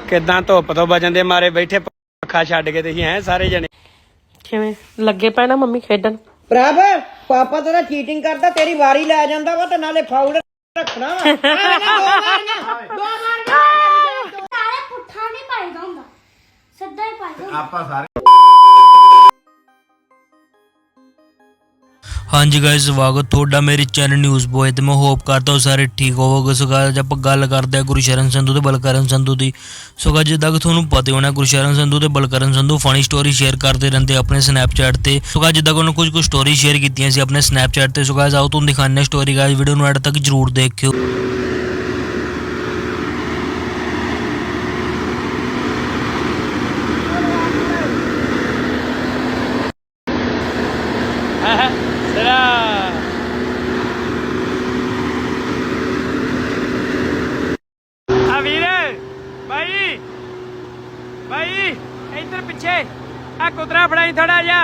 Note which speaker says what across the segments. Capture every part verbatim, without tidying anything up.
Speaker 1: ਕਿੱਦਾਂ ਧੁੱਪ ਤੋਂ ਬਚਣ ਦੇ ਮਾਰੇ ਬੈਠੇ ਪੱਖਾ ਛੱਡ ਕੇ ਤੁਸੀਂ ਐ ਸਾਰੇ ਜਣੇ
Speaker 2: ਕਿਵੇਂ ਲੱਗੇ ਪਏ ਨਾ ਮੰਮੀ ਖੇਡਣ।
Speaker 3: ਪ੍ਰਭ ਪਾਪਾ ਤੇਰਾ ਚੀਟਿੰਗ ਕਰਦਾ, ਤੇਰੀ ਵਾਰੀ ਲੈ ਜਾਂਦਾ ਵਾ ਤੇ ਨਾਲੇ ਫਾਉਲ ਰੱਖਣਾ ਵਾ। ਦੋ ਮਾਰੀਆਂ ਦੋ ਮਾਰੀਆਂ
Speaker 4: ਨਾਲੇ ਪੁੱਠਾ ਨਹੀਂ ਪਾਈਦਾ ਹੁੰਦਾ, ਸਿੱਧਾ ਹੀ ਪਾਈਦਾ
Speaker 5: ਆਪਾਂ ਸਾਰੇ।
Speaker 6: हाँ जी गाइस, स्वागत थोड़ा मेरे चैनल न्यूज़ बॉय ते मैं होप करता हूँ सारे ठीक होवोगे। सो गाइस आप गल करते हैं गुरशरण संधू ते बलकरण संधू की। सो गाइस जिद्दां कि तुहानूं पता होना गुरशरण संधू ते Balkaran Sandhu funny story share करते रहते अपने स्नैपचैट ते। सो गाइस जिद्दां कि उन्होंने कुछ कुछ स्टोरी शेयर कीतियां सी अपने स्नैपचैट ते। सो गाइस आओ तुहानूं दिखाने स्टोरी गाइस, वीडियो नूं एंड तक जरूर देखियो।
Speaker 1: भाई इधर पीछे आ कुतरा फड़ाई थोड़ा जा।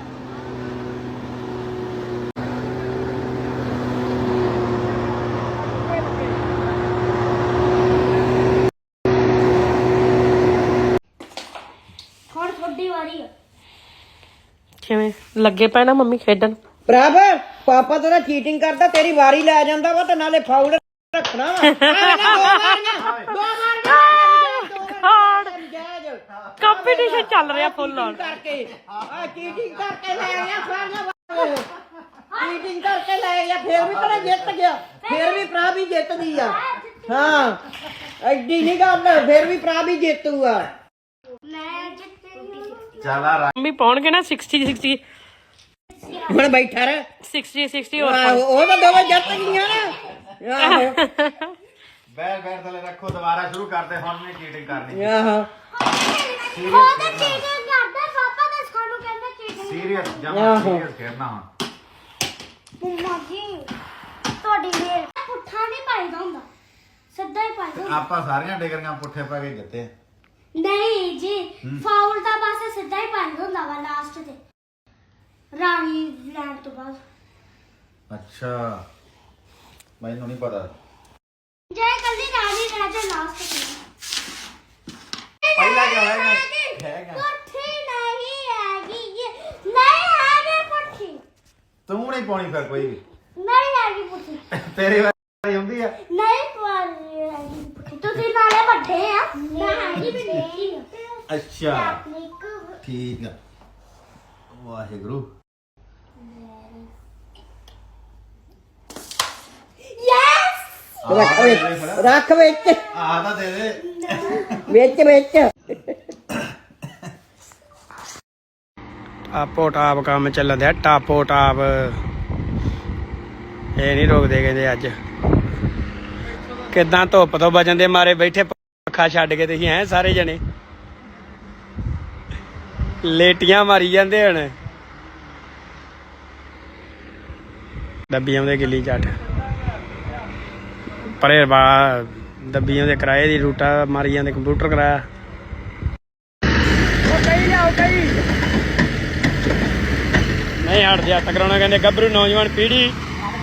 Speaker 4: ਹੁਣ ਤੁਹਾਡੀ ਵਾਰੀ ਆ।
Speaker 2: ਕਿਵੇਂ ਲੱਗੇ ਪਏ ਨਾ ਮੰਮੀ ਖੇਡਣ।
Speaker 3: ਪ੍ਰਭ ਪਾਪਾ ਤੇਰਾ ਚੀਟਿੰਗ ਕਰਦਾ, ਤੇਰੀ ਵਾਰੀ ਲੈ ਜਾਂਦਾ ਵਾ ਤੇ ਨਾਲੇ ਫਾਉਲ ਰੱਖਣਾ ਵਾ। ਦੋ ਮਾਰੀਆਂ ਦੋ ਮਾਰੀਆਂ
Speaker 2: ਕੰਪੀਟੀਸ਼ਨ ਚੱਲ ਰਿਹਾ ਫੁੱਲ ਔਨ
Speaker 3: ਕਰਕੇ ਆ ਚੀਟਿੰਗ ਕਰਕੇ ਲੈ ਗਿਆ ਸਾਰੀਆਂ, ਚੀਟਿੰਗ ਕਰਕੇ ਲੈ ਗਿਆ, ਫੇਰ ਵੀ ਤੇਰਾ ਜਿੱਤ ਗਿਆ, ਫੇਰ ਵੀ ਪ੍ਰਭ ਹੀ ਜਿੱਤਦੀ ਆ। ਹਾਂ ਐਡੀ ਨਹੀਂ ਗੱਲ, ਫੇਰ ਵੀ ਪ੍ਰਭ ਹੀ ਜੇਤੂ ਆ।
Speaker 4: ਮੈਂ ਜਿੱਤੂਗੀ।
Speaker 5: ਚੱਲ ਆ ਰਾ-
Speaker 2: ਮੰਮੀ ਪਾਉਣਗੇ ਨਾ ਸਿਕਸਟੀ ਸਿਕਸਟੀ
Speaker 3: ਹੁਣ ਬੈਠਾ ਰਹਿ,
Speaker 2: ਸਿਕਸਟੀ ਸਿਕਸਟੀ ਹੋਰ
Speaker 3: ਆਹੋ, ਉਹ ਤਾਂ ਦੋਵੇਂ ਜਿੱਤ ਗਈਆਂ ਨਾ। ਆਹੋ
Speaker 5: ਬੈਠ ਬੈਠ ਥੱਲੇ ਰੱਖੋ, ਦੁਬਾਰਾ ਸ਼ੁਰੂ ਕਰਦੇ। ਹੁਣ ਨਹੀਂ ਚੀਟਿੰਗ ਕਰਨੀ।
Speaker 3: ਆਹੋ
Speaker 4: ਉਹ ਤਾਂ ਚੀਟਿੰਗ ਕਰਦਾ, ਪਾਪਾ ਤਾਂ ਸਾਨੂੰ ਕਹਿੰਦਾ ਚੀਟਿੰਗ।
Speaker 5: ਸੀਰੀਅਸ ਜਮਾ ਸੀਰੀਅਸ ਖੇਡਣਾ ਹੁਣ।
Speaker 4: ਮੰਮਾ ਜੀ ਤੁਹਾਡੀ ਮੇਰ ਪੁੱਠਾ ਨਹੀਂ ਪਾਈਦਾ ਹੁੰਦਾ, ਸਿੱਧਾ ਹੀ ਪਾਈਦਾ ਹੁੰਦਾ।
Speaker 5: ਆਪਾਂ ਸਾਰੀਆਂ ਡਿਗਰੀਆਂ ਪੁੱਠੇ ਪਾ ਕੇ ਜਿੱਤੇ।
Speaker 4: ਨਹੀਂ ਜੀ, ਫਾਉਲ ਤਾਂ ਬਸ ਸਿੱਧਾ ਹੀ ਪਾਈਦਾ ਹੁੰਦਾ ਵਾ ਲਾਸਟ ਤੇ, ਰਾਣੀ ਲੈਣ ਤੋਂ ਬਾਅਦ।
Speaker 5: ਅੱਛਾ ਮੈਨੂੰ ਨਹੀਂ ਪਤਾ।
Speaker 4: ਜੇ ਕੱਲੀ ਰਾਣੀ ਰਹਿ ਜਾ ਲਾਸਟ ਤੇ।
Speaker 5: ਪਹਿਲਾ ਕਿਆ ਹੋਏਗਾ? ਹੈਗਾ।
Speaker 4: ਪੁੱਠੀ ਨਹੀਂ ਹੈਗੀ ਇਹ, ਨਹੀਂ ਹੈਗੀ ਪੁੱਠੀ,
Speaker 5: ਤੂੰ ਨਹੀਂ ਪਾਉਣੀ ਫਿਰ ਕੋਈ ਵੀ।
Speaker 4: ਨਹੀਂ ਹੈਗੀ ਪੁੱਠੀ,
Speaker 5: ਤੇਰੀ ਵਾਰੀ ਹੁੰਦੀ ਆ।
Speaker 4: ਨਹੀਂ ਪਾਉਣੀ ਹੈਗੀ ਪੁੱਠੀ। ਤੁਸੀਂ ਨਾਲੇ ਵੱਡੇ ਆ, ਮੈਂ ਹੈਗੀ ਵੀ ਦੇਖੀ ਆ।
Speaker 5: ਅੱਛਾ ਠੀਕ ਆ, ਵਾਹਿਗੁਰੂ।
Speaker 4: ਯੈਸ
Speaker 3: ਰੱਖ ਵਿੱਚ, ਰੱਖ ਵਿੱਚ,
Speaker 5: ਆ ਤਾਂ ਦੇ ਦੇ।
Speaker 3: ਵਿੱਚ ਵਿੱਚ।
Speaker 1: ਟਾਪੋ ਟਾਪ ਕੰਮ ਚੱਲਣ ਦਿਆ, ਟਾਪੋ ਟਾਪ ਇਹ ਨਹੀਂ ਰੋਕਦੇ ਕਹਿੰਦੇ ਅੱਜ। ਕਿੱਦਾਂ ਧੁੱਪ ਤੋਂ ਬਚਣ ਦੇ ਮਾਰੇ ਬੈਠੇ ਪੱਖਾ ਛੱਡ ਕੇ ਤੁਸੀਂ ਐ ਸਾਰੇ ਜਣੇ ਲੇਟੀਆਂ ਮਾਰੀ ਜਾਂਦੇ ਹੁਣ। ਦੱਬੀ ਆਉਂਦੇ ਗਿੱਲੀ ਝੱਟ ਪਰੇ ਬਾ ਦੱਬੀ ਆਉਂਦੇ ਕਿਰਾਏ ਦੀ ਰੂਟਾ ਮਾਰੀ ਜਾਂਦੇ, ਕੰਪਿਊਟਰ ਕਰਾਇਆ। ਉਹ ਕਹੀ ਲਿਆਓ ਕਹੀ ਨਹੀਂ ਹਟਦੇ ਹੱਥ ਕਰਾਉਣਾ ਕਹਿੰਦੇ ਗੱਭਰੂ ਨੌਜਵਾਨ ਪੀੜ੍ਹੀ।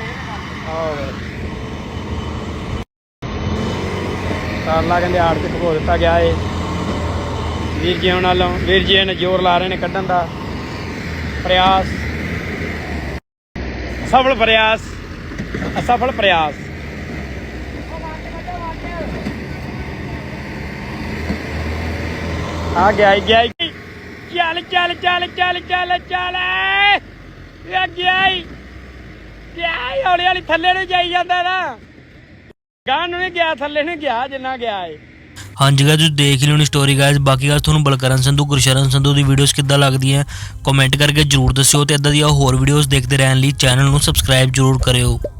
Speaker 1: ਤਾਰਲਾ ਕਹਿੰਦੇ ਆੜ ਤੇ ਖਬੋ ਦਿੱਤਾ ਗਿਆ ਏ ਵੀਰ ਜੀ ਉਹਨਾਂ ਵੱਲੋਂ। ਵੀਰ ਜੀ ਨੇ ਜ਼ੋਰ ਲਾ ਰਹੇ ਨੇ ਕੱਢਣ ਦਾ ਪ੍ਰਯਾਸ, ਸਫਲ ਪ੍ਰਯਾਸ, ਅਸਫਲ ਪ੍ਰਯਾਸ। ਆ ਗਿਆ ਹੀ ਗਿਆ ਹੀ। ਚੱਲ ਚੱਲ ਚੱਲ ਚੱਲ ਚੱਲ ਚੱਲ ਇਹ ਗਿਆ ਹੀ ਗਿਆ ਹੀ, ਹੌਲੀ ਹੌਲੀ ਥੱਲੇ ਨੂੰ ਜਾਈ ਜਾਂਦਾ ਨਾ, ਗਾਂ ਨੂੰ ਨਹੀਂ ਗਿਆ, ਥੱਲੇ ਨੂੰ ਗਿਆ ਜਿੰਨਾ ਗਿਆ ਏ।
Speaker 6: हाँ जी गाइस देख ली होनी स्टोरी गाइस। बाकी गाइस तुहानूं बलकरण संधू गुरशरण संधू दी वीडियोस किद्दां लगदियां कमेंट करके जरूर दस्सिओ ते इदां दी होर वीडियोस देखदे रहण लई चैनल नूं सबसक्राइब जरूर करिओ।